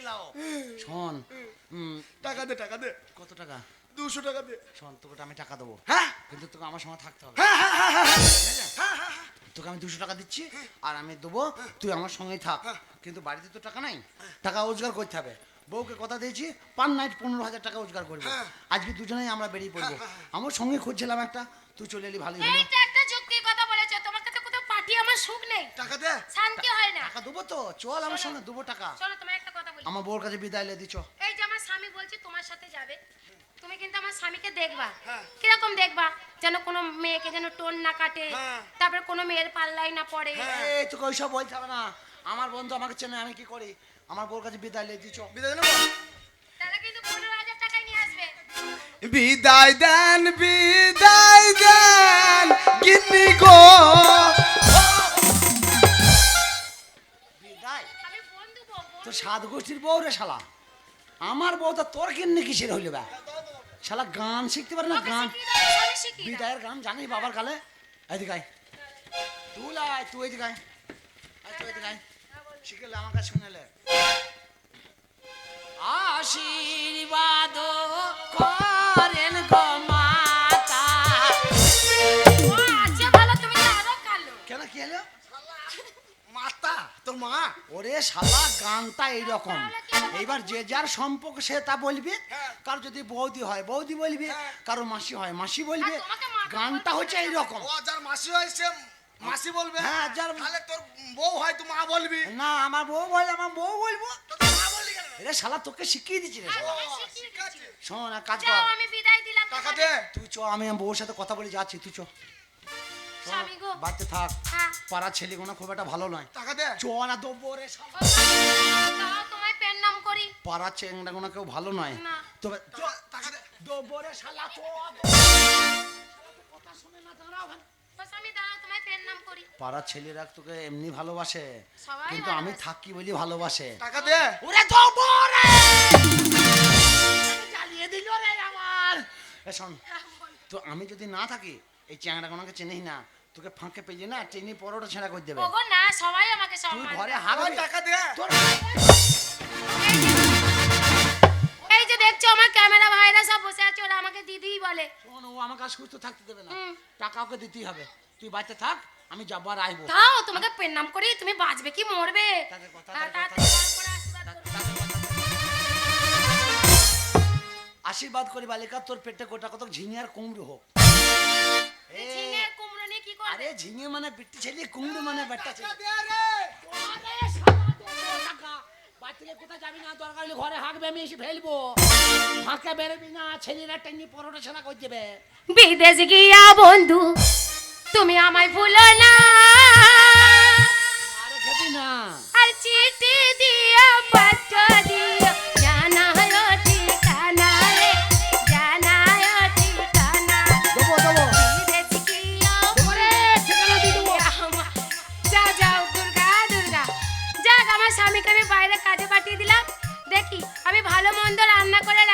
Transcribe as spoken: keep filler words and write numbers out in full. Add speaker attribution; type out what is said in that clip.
Speaker 1: লাও শোন
Speaker 2: টাকা দে টাকা দে
Speaker 1: কত টাকা
Speaker 2: দুশো টাকা দে
Speaker 1: শোন তোকে আমি টাকা দেবো
Speaker 2: হ্যাঁ
Speaker 1: কিন্তু তোকে আমার সঙ্গে থাকতে হবে
Speaker 2: হ্যাঁ হ্যাঁ হ্যাঁ হ্যাঁ হ্যাঁ
Speaker 1: তোকে আমি দুশো টাকা দিচ্ছি আর আমি দেবো তুই আমার সঙ্গেই থাক কিন্তু বাড়িতে তো টাকা নাই টাকা রোজগার করতে হবে বউকে কথা দিয়েছি পার নাইট পনেরো হাজার টাকা রোজগার করবো আজকে দুজনেই আমরা বেরিয়ে পড়বো আমার সঙ্গে খুঁজছিলাম একটা তুই চলে এলি ভালোই হলো
Speaker 3: এইটা একটা যুক্তি কথা বলেছো তোমাকে তো কোথাও পাঠিয়ে আমার সুখ নেই
Speaker 2: টাকা দে
Speaker 3: শান্তি হয় না
Speaker 1: টাকা দেবো তো চল আমার সঙ্গে দেবো টাকা
Speaker 3: শোনো তোমায় একটা কথা বলি
Speaker 1: আমার বউর কাছে বিদায় লে দিচ্ছ
Speaker 3: এই যে আমার স্বামী বলছে তোমার সাথে যাবে তুমি কিন্তু আমার স্বামীকে দেখবা
Speaker 2: হ্যাঁ।
Speaker 3: কিরকম দেখবা যেন কোনো মেয়েকে যেন টোন না কাটে
Speaker 2: হ্যাঁ।
Speaker 3: তারপর কোনো মেয়ের পাল্লাই না পড়ে
Speaker 1: এই তোকে ওইসব বলতে হবে না আমার বন্ধু আমাকে চেনে আমি কি করি আমার বউর কাছে বিদায় লে দিচ্ছ
Speaker 2: বিদায় নেবো
Speaker 3: তাহলে কিন্তু পনেরো হাজার টাকাই নিয়ে আসবে
Speaker 2: বিদায় দেন বিদায় দেন গিন্নি গো
Speaker 1: বিদায়
Speaker 3: আমি বন্ধু বলবো
Speaker 1: তো সাত গোষ্ঠীর বউ রে শালা আমার বউ তো তোর কিন্নি কিসের হইল বা শালা গান শিখতে পারে না গান
Speaker 3: আমি শিখি না।
Speaker 1: বিদায়ের গান জানিস বাবার কালে এদিকে আয় তুই লাই তুই এদিকে আয় আয়, তুই এদিকে আয় শিখলে আমার কাছে শুনেলে আশীর্বাদ করেন গো মাতা
Speaker 3: ও আচ্ছা ভালো তুমি তো আরো কালো
Speaker 1: কেন কি হলো
Speaker 2: মাতা তোর মা
Speaker 1: ওরে শালা গানটা এইরকম এইবার যে যার সম্পর্ক সে তা বলবে কারো যদি বৌদি হয় বৌদি বলবে কারো মাসি হয় মাসি বলবে
Speaker 3: আর তোমাকে মাতা
Speaker 1: গানটা হচ্ছে এইরকম
Speaker 2: ও যার মাসি হয় সে মাসি বলবে
Speaker 1: হ্যাঁ, যার-
Speaker 2: তাহলে তোর বউ হয় তুই মা বলবি
Speaker 1: না আমার বউ বলে আমার বউ বলবো
Speaker 2: তো তুই মা বললি কেন
Speaker 1: রে শালা তোকে শিখিয়ে দিচ্ছি রে
Speaker 3: আর
Speaker 1: শালা।
Speaker 3: তোমায়
Speaker 2: ও,
Speaker 3: শিখিয়ে
Speaker 2: ঠিক আছে।
Speaker 3: দিচ্ছি।
Speaker 1: শোন এক কাজ
Speaker 3: যাও
Speaker 1: কর
Speaker 3: আমি বিদায় দিলাম
Speaker 2: টাকা
Speaker 3: তোমাদের।
Speaker 2: দে
Speaker 1: তুই চ আমি আমার বউর সাথে কথা বলে যাচ্ছি তুই চ
Speaker 3: স্বামী গো
Speaker 1: বাড়িতে থাক
Speaker 3: হ্যাঁ
Speaker 1: পাড়ার ছেলেগুলো খুব একটা ভালো নয়
Speaker 2: টাকা দে
Speaker 1: চ না দেবো রে শালা।
Speaker 3: ও স্বামী, দাও তোমায় পেন নাম করি
Speaker 1: পাড়ার চেংড়াগুলো কেউ ভালো নয়
Speaker 3: না।
Speaker 1: তবে চ
Speaker 2: চ, টাকা দে
Speaker 1: দেবো রে শালা চ কথা শুনে না দাঁড়াও ওখানে।
Speaker 3: ও স্বামী দাও তোমায় পেন নাম করি
Speaker 1: পাড়ার ছেলেরা তোকে এমনি ভালোবাসে
Speaker 3: সবাই
Speaker 1: কিন্তু আমি
Speaker 3: ভালোবাসে।
Speaker 1: থাকি বলি ভালোবাসে
Speaker 2: টাকা দে
Speaker 1: ওরে দেবো রে জ্বালিয়ে দিল রে আমার এ শোন তো আমি যদি না থাকি এই চ্যাংড়াগুলোকে চিনিস না তোকে ফাঁকে পেয়ে না টেনে পরোটা ছেঁড়া করে দেবে
Speaker 3: ওগো না সবাই আমাকে
Speaker 1: তুই
Speaker 3: সম্মান
Speaker 1: ঘরে
Speaker 3: দেয়।
Speaker 1: হাত
Speaker 2: আমার টাকা দে
Speaker 1: তোর
Speaker 3: এই যে দেখছো আমার ক্যামেরা ভাইরা সব বসে আছে ওরা আমাকে দিদিই বলে
Speaker 1: শোন ও আমাকে আর সুস্থ থাকতে দেবে না
Speaker 3: হুম।
Speaker 1: টাকা ওকে দিতেই হবে তুই বাড়িতে থাক আমি যাবো আর আসবো
Speaker 3: দাও তোমাকে পেন নাম করি তুমি বাঁচবে কি মরবে
Speaker 1: তাদের কথা,
Speaker 3: হ্যাঁ,
Speaker 1: তাদের
Speaker 3: তাড়াতাড়ি
Speaker 1: কথা।
Speaker 3: বার করে আশীর্বাদ করো।
Speaker 1: আশীর্বাদ করি বালিকা তোর পেটে গোটা কত ঝিঙে আর কুমড়ো হোক
Speaker 3: এই ঝিঙে কুমড়ো নিয়ে কি করবে
Speaker 1: আরে ঝিঙে মানে বিটি ছেলে কুমড়ো মানে বেটা ছেলে
Speaker 2: টাকা দে রে
Speaker 1: আরে শালা দেবো টাকা বাড়ি থেকে কোথায় যাবি না দরকার হলে ঘরে হাঁকবে আমি এসে ফেলবো ফাঁকে বেরোবি না ছেলেরা টেনে পরোটা ছাড়া করে দেবে
Speaker 3: বিদেশ গিয়া বন্ধু তুমি আমায় ভুলো না
Speaker 1: আরে খেবি না
Speaker 3: আর চিঠি দিও পত্র দিও জানায়ো ঠিকানা রে জানায়ো ঠিকানা
Speaker 1: দেবো দেবো
Speaker 3: বিদেশ গিয়া
Speaker 1: ওরে ঠিকানা দিয়ে দেবো
Speaker 3: আমার- যাও যাও দুর্গা দুর্গা যাক আমার স্বামীকে আমি বাইরে কাজে পাঠিয়ে দিলাম দেখি আমি ভালো মন্দ রান্না করে